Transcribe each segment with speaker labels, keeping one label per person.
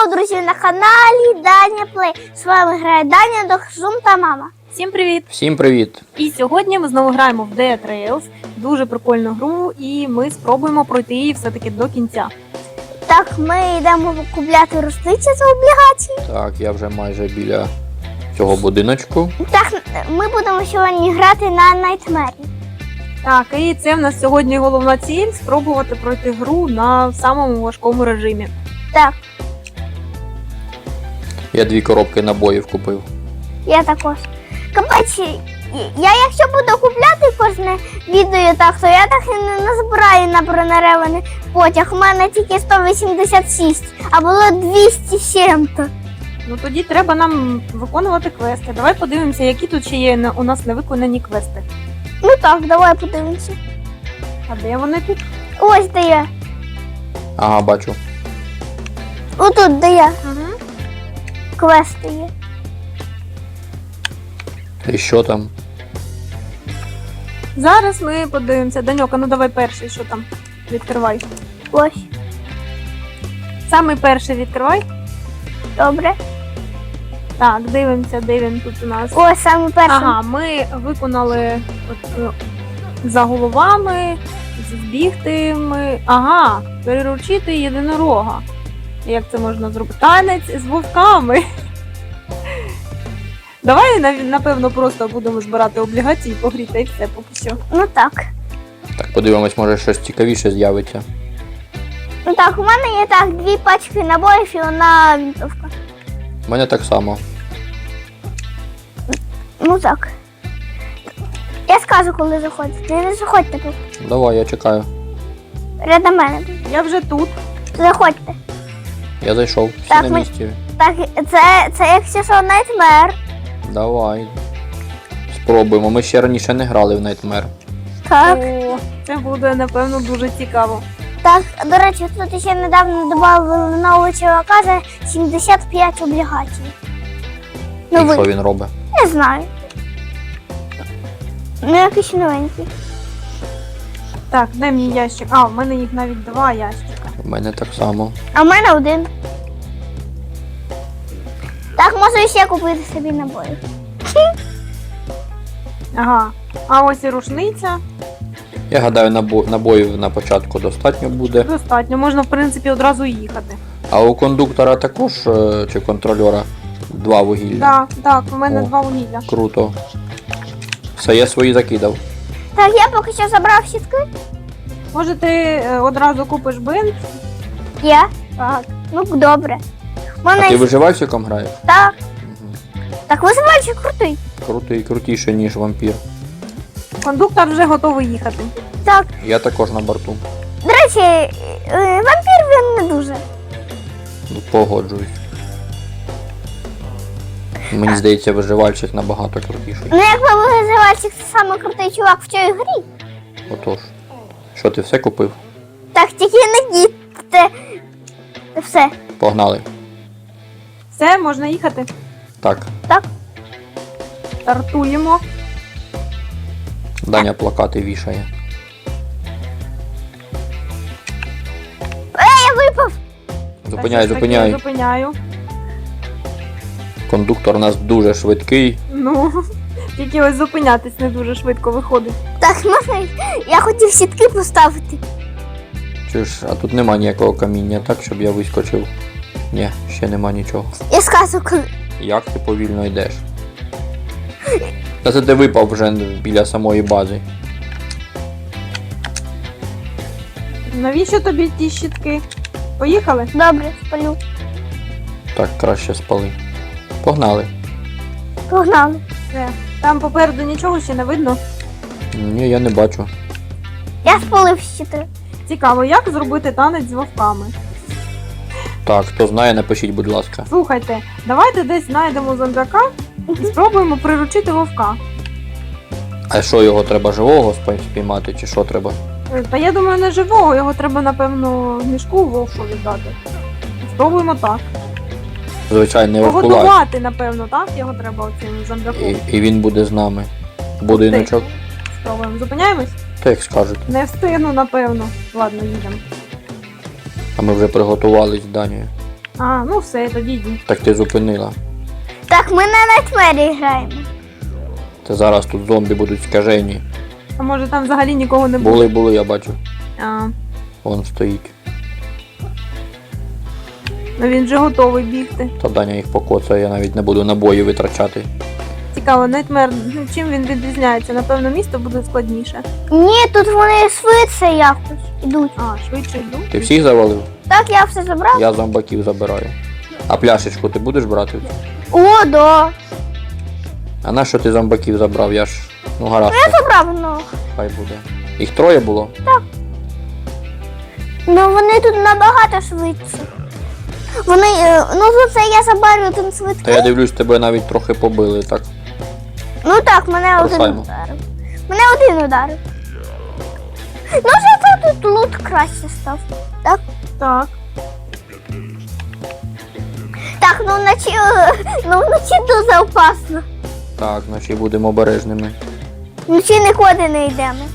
Speaker 1: Знову, друзі, на каналі Даня Плей. З вами грає Даня, Дохзум та мама.
Speaker 2: Всім привіт!
Speaker 3: Всім привіт!
Speaker 2: І сьогодні ми знову граємо в Dead Trails. Дуже прикольну гру, і ми спробуємо пройти її все-таки до кінця.
Speaker 1: Так, ми йдемо купляти рушниці за облігації.
Speaker 3: Так, я вже майже біля цього будиночку.
Speaker 1: Так, ми будемо сьогодні грати на Найтмері.
Speaker 2: Так, і це в нас сьогодні головна ціль – спробувати пройти гру на самому важкому режимі.
Speaker 1: Так,
Speaker 3: Я 2 коробки набоїв купив.
Speaker 1: я також. Капець, я якщо буду купляти кожне відео так, то я так і не назбираю на бронереваний потяг. У мене тільки 186, а було 207.
Speaker 2: Ну тоді треба нам виконувати квести. Давай подивимося, які тут ще є у нас невиконані квести.
Speaker 1: Ну так, давай подивимося.
Speaker 2: А де вони тут?
Speaker 1: Ось де я.
Speaker 3: Ага, бачу.
Speaker 1: Отут де я.
Speaker 2: Угу.
Speaker 1: Квести є.
Speaker 3: І що там?
Speaker 2: Зараз ми подивимося. Даньока, ну давай перший, що там? Відкривай.
Speaker 1: Ось.
Speaker 2: Самий перший відкривай.
Speaker 1: Добре.
Speaker 2: Так, дивимося, де він тут у нас.
Speaker 1: Ось саме перший.
Speaker 2: Ага, ми виконали за головами, збігти ми. Ага, переручити єдинорога. Як це можна зробити? Танець з вовками. Давай, напевно, просто будемо збирати облігації, погріти і все поки що.
Speaker 1: Ну так.
Speaker 3: Так, подивимось, може щось цікавіше з'явиться.
Speaker 1: Ну так, у мене є так 2 пачки набоїв і одна вінтовка.
Speaker 3: У мене так само.
Speaker 1: Ну так. Я скажу, коли заходите. Не заходьте поки.
Speaker 3: Давай, я чекаю.
Speaker 1: Рядом мене.
Speaker 2: Я вже тут.
Speaker 1: Заходьте.
Speaker 3: Я зайшов. Всі
Speaker 1: Так,
Speaker 3: на
Speaker 1: ми-
Speaker 3: місці.
Speaker 1: Так, це якщо що Найтмер.
Speaker 3: Давай. Спробуємо. Ми ще раніше не грали в Nightmare.
Speaker 1: Так.
Speaker 2: О, це буде, напевно, дуже цікаво.
Speaker 1: Так, до речі, тут ще недавно додали нового чувака за 75 облігацій.
Speaker 3: І
Speaker 1: Ну
Speaker 3: що
Speaker 1: ви,
Speaker 3: він робить?
Speaker 1: не знаю. Ну якийсь новенький.
Speaker 2: Так, де мій ящик? А, в мене їх навіть 2 ящика.
Speaker 3: У мене так само.
Speaker 1: А в мене 1. Так, можу ще купити собі набої.
Speaker 2: Ага. А ось і рушниця.
Speaker 3: Я гадаю, набоїв на початку достатньо буде.
Speaker 2: Достатньо, можна, в принципі, одразу їхати.
Speaker 3: А у кондуктора також, чи контрольора, 2 вугілля.
Speaker 2: Так, так, у мене
Speaker 3: О.
Speaker 2: 2 вугілля.
Speaker 3: Круто. Все, я свої закидав.
Speaker 1: Так, я поки що забрав сітки.
Speaker 2: Може, ти одразу купиш бинт?
Speaker 1: Я?
Speaker 2: Так.
Speaker 1: Ну, добре. У
Speaker 3: А
Speaker 1: мене
Speaker 3: ти виживальщиком граєш?
Speaker 1: так.
Speaker 3: Угу.
Speaker 1: Так, визивальчик крутий.
Speaker 3: Крутий, крутіше, ніж вампір.
Speaker 2: Кондуктор вже готовий їхати.
Speaker 1: Так,
Speaker 3: Я також на борту.
Speaker 1: до речі, вампір він не дуже.
Speaker 3: Ну, погоджуюсь. Мені здається, виживальщик набагато крутіший.
Speaker 1: Ну, якби визивальчик це саме крутий чувак в цій грі.
Speaker 3: Отож. Що, ти все купив?
Speaker 1: Так, тільки не діти. Все.
Speaker 3: Погнали.
Speaker 2: Все, можна їхати.
Speaker 3: Так,
Speaker 2: Стартуємо.
Speaker 3: Даня плакати вішає.
Speaker 1: Я випав.
Speaker 3: Зупиняй,
Speaker 2: Так,
Speaker 3: зупиняй.
Speaker 2: Зупиняю.
Speaker 3: Кондуктор у нас дуже швидкий.
Speaker 2: Ну, тільки ось зупинятись не дуже швидко виходить.
Speaker 1: Так, можна. Я хотів сітки поставити.
Speaker 3: Чи ж, а тут нема ніякого каміння, так, щоб я вискочив? Ні, ще нема нічого.
Speaker 1: Я скажу, коли.
Speaker 3: Як ти повільно йдеш? Та це ти випав вже біля самої бази.
Speaker 2: Навіщо тобі ті щітки? Поїхали?
Speaker 1: Добре, спалю.
Speaker 3: Так, краще спали. Погнали.
Speaker 1: Погнали.
Speaker 2: Все. Там попереду нічого ще не видно.
Speaker 3: Ні, я не бачу.
Speaker 1: Я спалив щити.
Speaker 2: Цікаво, як зробити танець з вовками?
Speaker 3: Так, хто знає, напишіть, будь ласка.
Speaker 2: Слухайте, давайте десь знайдемо зомбяка і спробуємо приручити вовка.
Speaker 3: А що, його треба живого спіймати, чи що треба?
Speaker 2: Та я думаю, не живого, його треба, напевно, в мішку вовку віддати. Спробуємо так.
Speaker 3: Звичайно, не вовкулак.
Speaker 2: Погодувати, напевно, так? Його треба оцим зомбяком.
Speaker 3: І він буде з нами. Будиночок.
Speaker 2: Спробуємо. Зупиняємось?
Speaker 3: Так як скажете.
Speaker 2: Не встигну, напевно. Ладно, їдемо.
Speaker 3: А ми вже приготувались з Данією.
Speaker 2: А, ну все, тоді йди.
Speaker 3: Так ти зупинила.
Speaker 1: Так, ми на Найтмері граємо.
Speaker 3: Та зараз тут зомбі будуть скажені.
Speaker 2: А може там взагалі нікого не буде?
Speaker 3: Були, я бачу.
Speaker 2: А,
Speaker 3: Вон стоїть.
Speaker 2: ну він вже готовий бігти.
Speaker 3: Та Даня їх покоцає, я навіть не буду набої витрачати.
Speaker 2: Цікаво, Найтмер, ну, чим він відрізняється? Напевно, місто буде складніше.
Speaker 1: Ні, тут вони швидше якось ідуть.
Speaker 2: А, швидше йду.
Speaker 3: Ти всіх завалив?
Speaker 1: Так, я все забрав.
Speaker 3: Я зомбаків забираю. А пляшечку ти будеш брати?
Speaker 1: О, да.
Speaker 3: А на що ти зомбаків забрав? Я ж. Ну гаразд,
Speaker 1: Забрав, ну.
Speaker 3: хай буде. Їх троє було?
Speaker 1: Ну вони тут набагато швидше. Вони, ну за це я забарю один
Speaker 3: Та
Speaker 1: швидкий.
Speaker 3: я дивлюсь, тебе навіть трохи побили, так?
Speaker 1: Ну так, мене один
Speaker 3: Рухаємо.
Speaker 1: ударив. Мене один ударив. Ну зато тут лут краще став. Так?
Speaker 2: Так.
Speaker 1: Так, ну вночі дуже опасно.
Speaker 3: Так, значить будемо обережними.
Speaker 1: Вночі нікуди не йдемо.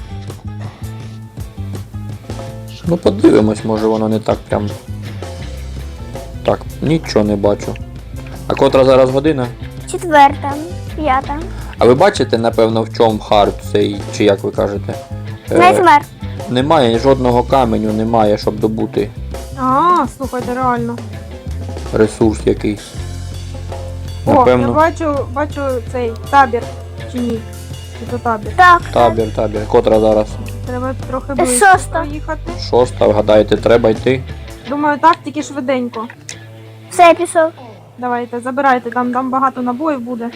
Speaker 3: Ну подивимось, може воно не так прям. Так, нічого не бачу. А котра зараз година?
Speaker 1: 4, 5.
Speaker 3: А ви бачите, напевно, в чому хард цей, чи як ви кажете?
Speaker 1: Найтмер.
Speaker 3: Немає жодного каменю, немає, щоб добути
Speaker 2: А, слухайте, реально.
Speaker 3: ресурс якийсь.
Speaker 2: О, я
Speaker 3: Напевно,
Speaker 2: бачу цей табір. Чи ні? Чи то табір?
Speaker 1: Так.
Speaker 3: табір. Котра зараз?
Speaker 2: Треба трохи ближче
Speaker 1: Шоста.
Speaker 2: проїхати.
Speaker 3: 6, вгадаєте, треба йти.
Speaker 2: Думаю, так, тільки швиденько.
Speaker 1: Все, я пішов.
Speaker 2: Давайте, забирайте, там багато набоїв буде.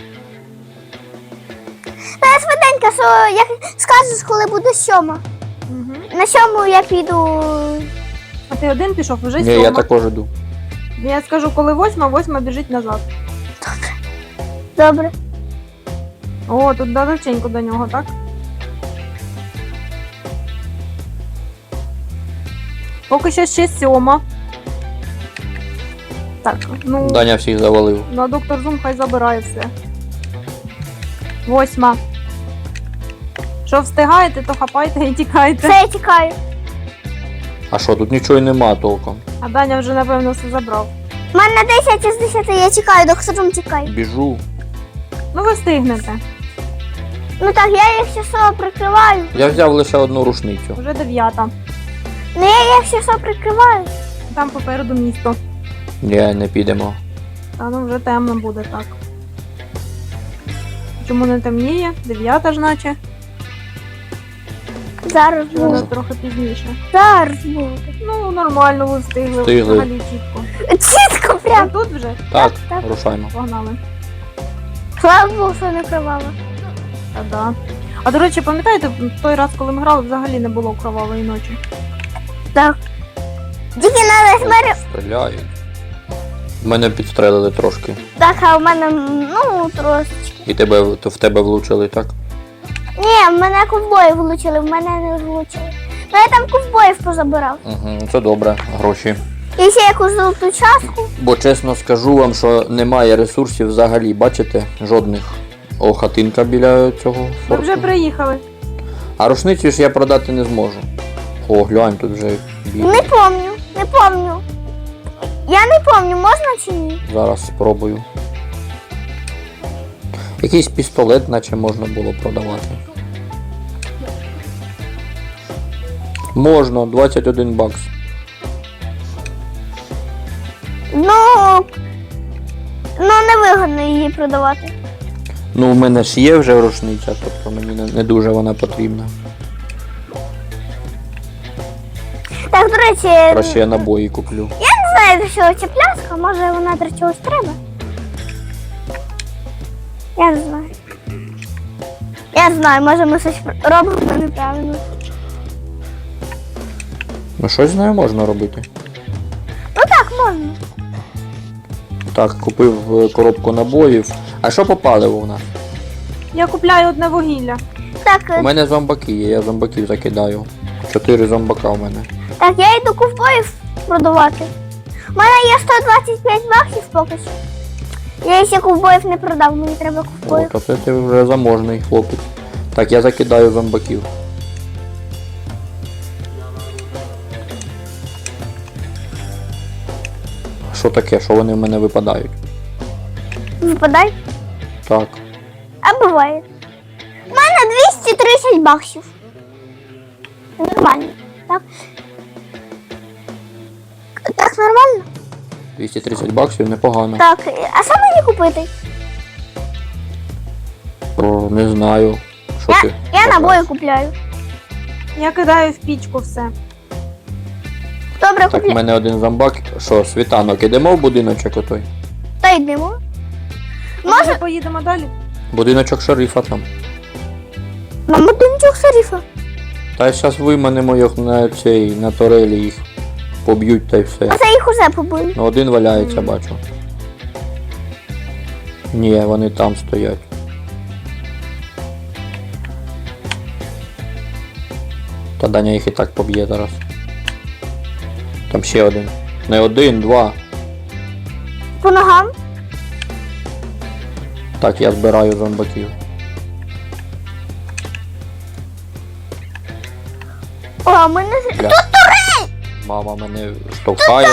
Speaker 1: Та я швиденько, що як скажеш, коли буде 7.
Speaker 2: Угу.
Speaker 1: На 7 я піду.
Speaker 2: А ти один пішов, вже
Speaker 3: Ні,
Speaker 2: 7.
Speaker 3: я також іду.
Speaker 2: Я скажу, коли 8 біжить назад.
Speaker 1: Добре.
Speaker 2: О, тут далеченько до нього, так? Поки що ще 7. Так, ну,
Speaker 3: Даня всіх завалив.
Speaker 2: на доктор Зум хай забирає все. 8. Що встигаєте, то хапайте і тікайте.
Speaker 1: Все, я тікаю.
Speaker 3: А що, тут нічого й нема толком.
Speaker 2: А Даня вже, напевно, все забрав.
Speaker 1: У мене 10 із 10, я тікаю, доктором тікаю.
Speaker 3: Біжу.
Speaker 2: Ну, ви встигнете.
Speaker 1: Ну так, я їх ще що прикриваю.
Speaker 3: Я взяв лише одну рушницю.
Speaker 2: Вже 9.
Speaker 1: Ну я їх ще що прикриваю.
Speaker 2: Там попереду місто.
Speaker 3: Ні, не підемо.
Speaker 2: Та ну вже темно буде, так. Чому не темніє? 9 ж наче.
Speaker 1: Зараз
Speaker 2: Вже
Speaker 1: буде.
Speaker 2: трохи пізніше.
Speaker 1: Зараз буде.
Speaker 2: Ну, нормально, ви встигли.
Speaker 3: Встигли.
Speaker 2: Взагалі чітко.
Speaker 1: Чітко прям.
Speaker 2: Ви тут вже?
Speaker 3: Так,
Speaker 1: так.
Speaker 3: рушаймо.
Speaker 2: Погнали.
Speaker 1: Слава Богу, що не кривала.
Speaker 2: Та да. А до речі, пам'ятаєте, в той раз, коли ми грали, взагалі не було кровавої ночі.
Speaker 1: Так. Тільки на Найтмері.
Speaker 3: Стріляють. Мене підстрелили трошки.
Speaker 1: Так, а в мене, ну, трошечки.
Speaker 3: І в тебе влучили, так?
Speaker 1: Ні, в мене ковбої влучили, в мене не влучили. Ну я там ковбоїв позабирав.
Speaker 3: Угу, це добре, гроші.
Speaker 1: І ще якусь золоту частку.
Speaker 3: Бо чесно скажу вам, що немає ресурсів взагалі, бачите? Жодних. О, хатинка біля цього
Speaker 2: Ми
Speaker 3: форту.
Speaker 2: вже приїхали.
Speaker 3: А рушницю ж я продати не зможу. О, глянь, тут вже біль.
Speaker 1: Не помню. Я не помню, можна чи ні?
Speaker 3: Зараз спробую. Якийсь пістолет, наче можна було продавати. Можна, 21 бакс.
Speaker 1: Ну невигодно її продавати.
Speaker 3: Ну, у мене ж є вже рушниця, тобто мені не дуже вона потрібна.
Speaker 1: Так, до речі,
Speaker 3: Краще я набої куплю.
Speaker 1: не знаю, до чого ця пляшка, може вона для чогось треба. Я не знаю. Я знаю, може ми щось робимо неправильно.
Speaker 3: Ну, щось з нею можна робити.
Speaker 1: Ну так, можна.
Speaker 3: Так, купив коробку набоїв. А що по паливу у нас?
Speaker 2: Я купляю одне вугілля.
Speaker 1: Так,
Speaker 3: У мене зомбаки є, я зомбаків закидаю. 4 зомбака у мене.
Speaker 1: так, я йду ковбоїв продавати. У мене є 125 баксів поки що. Я ще ковбоїв не продав, мені треба
Speaker 3: О,
Speaker 1: ковбоїв.
Speaker 3: то це ти вже заможний хлопець. Так, я закидаю зомбаків. що таке? Що вони в мене випадають?
Speaker 1: Випадай.
Speaker 3: Так.
Speaker 1: А буває. У мене 230 баксів. Нормально, так? Так, нормально?
Speaker 3: 230 баксів непогано.
Speaker 1: Так, а що мені купити?
Speaker 3: О, не знаю. Що ти?
Speaker 1: Я
Speaker 3: бажаєш?
Speaker 1: набої купляю.
Speaker 2: Я кидаю в пічку все.
Speaker 1: Добре,
Speaker 3: Так, в
Speaker 1: купляю.
Speaker 3: мене один зомбак. Що, світанок, ідемо в будиночок отой?
Speaker 1: Та йдемо.
Speaker 2: Може, поїдемо далі?
Speaker 3: Будиночок шерифа там.
Speaker 1: Нам будиночок шерифа.
Speaker 3: Та зараз виманемо їх на цей, на турелі їх. Поб'ють та й все.
Speaker 1: А це їх уже побили.
Speaker 3: Ну один валяється, бачу. Ні, вони там стоять. Та Даня їх і так поб'є зараз. Там ще один. Не один, два.
Speaker 1: По ногам.
Speaker 3: Так, я збираю зомбаків.
Speaker 1: О, а мене...
Speaker 3: Бля. Мама мене штовхає.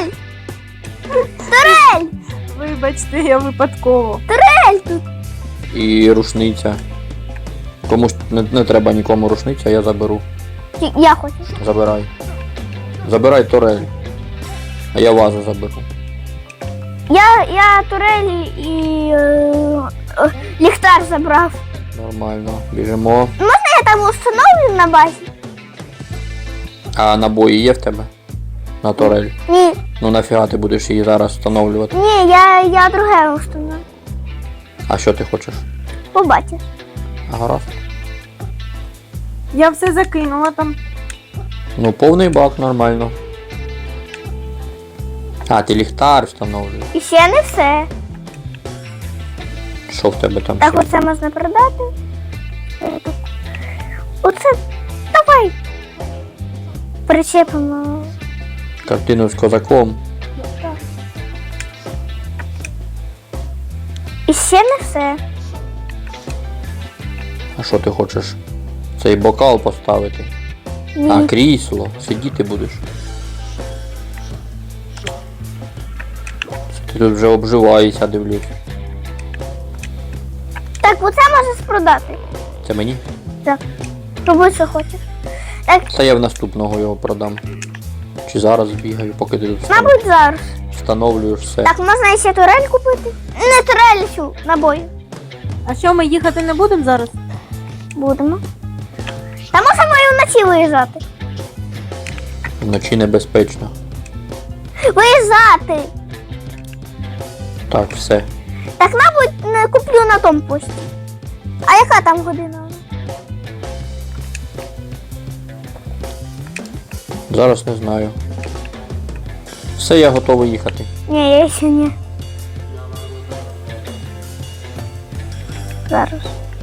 Speaker 1: Турель!
Speaker 2: Вибачте, я випадково.
Speaker 1: Турель тут.
Speaker 3: І рушниця. Комусь не треба нікому рушниця, я заберу.
Speaker 1: Я хочу.
Speaker 3: Забирай. Забирай турель. А я вазу заберу.
Speaker 1: Я турель і ліхтар забрав.
Speaker 3: Нормально. Біжимо.
Speaker 1: Я там установлю на базі?
Speaker 3: А набої є в тебе? На турель.
Speaker 1: Ні,
Speaker 3: Ну нафіга ти будеш її зараз встановлювати?
Speaker 1: ні, я друге установлю.
Speaker 3: А що ти хочеш?
Speaker 1: Побачиш.
Speaker 3: Гаразд.
Speaker 2: Я все закинула там.
Speaker 3: Ну повний бак, нормально. А, ти ліхтар встановлюєш.
Speaker 1: І ще не все.
Speaker 3: Що в тебе там
Speaker 1: Так,
Speaker 3: ще?
Speaker 1: оце можна продати. Оце давай. Причепимо.
Speaker 3: Картину з козаком.
Speaker 1: І ще не все.
Speaker 3: А що ти хочеш? Цей бокал поставити?
Speaker 1: Ні.
Speaker 3: А, крісло. Сидіти будеш. Ти тут вже обживаєшся, дивлюсь.
Speaker 1: Так, оце можеш продати.
Speaker 3: Це мені?
Speaker 1: Так. Роби, що хочеш. Так,
Speaker 3: Та я в наступного його продам. Чи зараз бігаю, поки ти тут
Speaker 1: мабуть, зараз.
Speaker 3: встановлюєш все.
Speaker 1: Так, можна ще турель купити? Не турель, цю, набої.
Speaker 2: А що, ми їхати не будемо зараз?
Speaker 1: Будемо. Та можемо і вночі виїжджати.
Speaker 3: Вночі небезпечно.
Speaker 1: Виїжджати!
Speaker 3: Так, все.
Speaker 1: Так, мабуть, не куплю на тому пості. А яка там година?
Speaker 3: Зараз не знаю. Все, я готовий їхати.
Speaker 1: Ні, я ще ні. Зараз.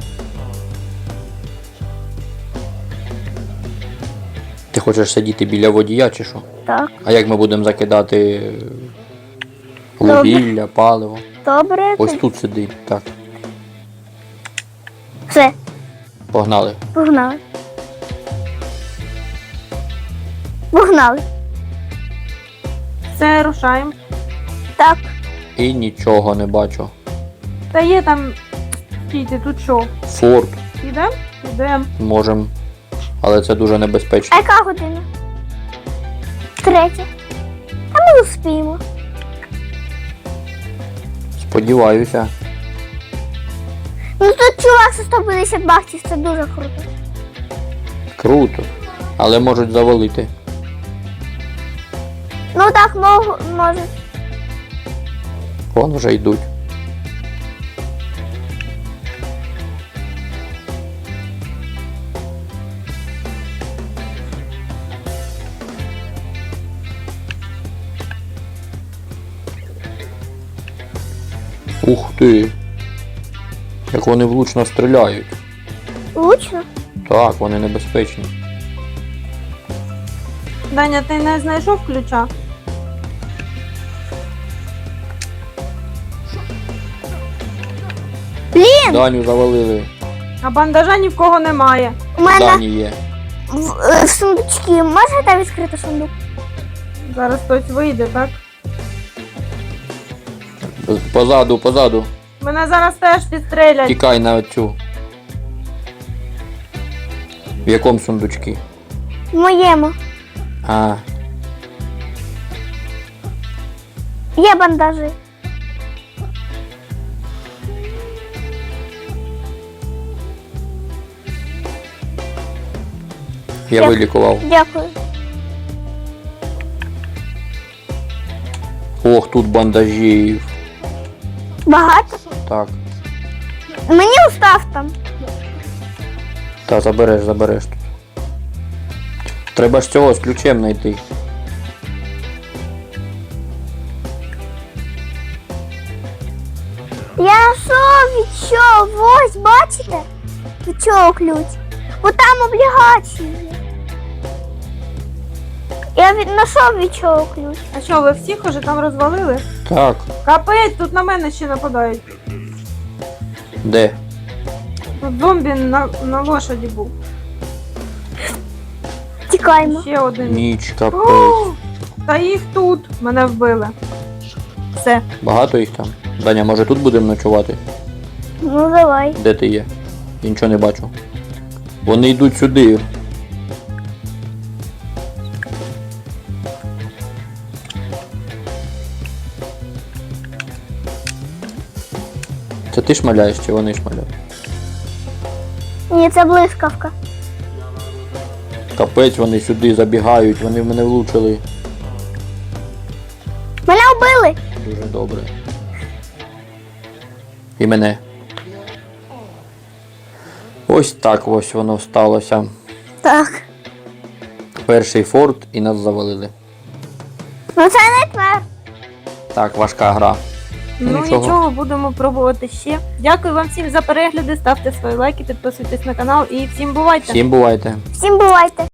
Speaker 3: Ти хочеш сидіти біля водія чи що?
Speaker 1: Так,
Speaker 3: А як ми будемо закидати вугілля, паливо?
Speaker 1: добре.
Speaker 3: Ось тут сиди. Так,
Speaker 1: Все,
Speaker 3: погнали.
Speaker 1: погнали. Погнали.
Speaker 2: Все, рушаємо.
Speaker 1: Так,
Speaker 3: І нічого не бачу.
Speaker 2: Та є там. Стійте, тут що?
Speaker 3: Форт
Speaker 2: Ідемо? Ідемо.
Speaker 3: можемо. Але це дуже
Speaker 1: а
Speaker 3: небезпечно.
Speaker 1: яка година? 3. Та ми успіємо.
Speaker 3: Сподіваюся.
Speaker 1: Ну тут чувак за 150 баксів, це дуже круто.
Speaker 3: Круто. Але можуть завалити.
Speaker 1: Ну так, може.
Speaker 3: Вон вже йдуть. Ух ти! Як вони влучно стріляють.
Speaker 1: Лучно.
Speaker 3: Так, вони небезпечні.
Speaker 2: Даня, ти не знайшов ключа?
Speaker 1: Блін,
Speaker 3: Даню завалили.
Speaker 2: А бандажа ні в кого немає.
Speaker 1: у мене
Speaker 3: Дані є.
Speaker 1: в сундучки. Можете відкрити сундук?
Speaker 2: Зараз хтось вийде, так?
Speaker 3: Позаду.
Speaker 2: Мене зараз теж підстрелять.
Speaker 3: Тікай на оцю. В якому сундучці?
Speaker 1: В моєму.
Speaker 3: А,
Speaker 1: Є бандажі.
Speaker 3: я
Speaker 1: Як?
Speaker 3: вилікував.
Speaker 1: Дякую.
Speaker 3: Ох, тут бандажів.
Speaker 1: Багато?
Speaker 3: Так.
Speaker 1: Мені устав там.
Speaker 3: Та забереш тут. Треба ж цього з ключем знайти.
Speaker 1: Я відчув, ось, бачите? Від чого ключ? Бо там облігації. Я знайшов від чого ключ.
Speaker 2: А що, ви всіх уже там розвалили?
Speaker 3: Так,
Speaker 2: Капець, тут на мене ще нападають.
Speaker 3: де?
Speaker 2: Тут зомбі на лошаді був.
Speaker 1: Тікаємо.
Speaker 2: Ще один.
Speaker 3: Ніч, капець.
Speaker 2: О, та їх тут. Мене вбили. Все.
Speaker 3: Багато їх там? Даня, може тут будемо ночувати?
Speaker 1: Ну давай.
Speaker 3: Де ти є? Я нічого не бачу. Вони йдуть сюди. Це ти шмаляєш чи вони шмаляють?
Speaker 1: Ні, це блискавка.
Speaker 3: Капець, вони сюди забігають, вони в мене влучили.
Speaker 1: Мене вбили.
Speaker 3: Дуже добре. І мене. Ось так ось воно сталося.
Speaker 1: Так.
Speaker 3: Перший форт і нас завалили.
Speaker 1: Ну це не тепер.
Speaker 3: Так, важка гра.
Speaker 2: Ну нічого, будемо пробувати ще. Дякую вам всім за перегляди, ставте свої лайки, підписуйтесь на канал і всім бувайте!
Speaker 3: Всім бувайте.
Speaker 1: Всім бувайте.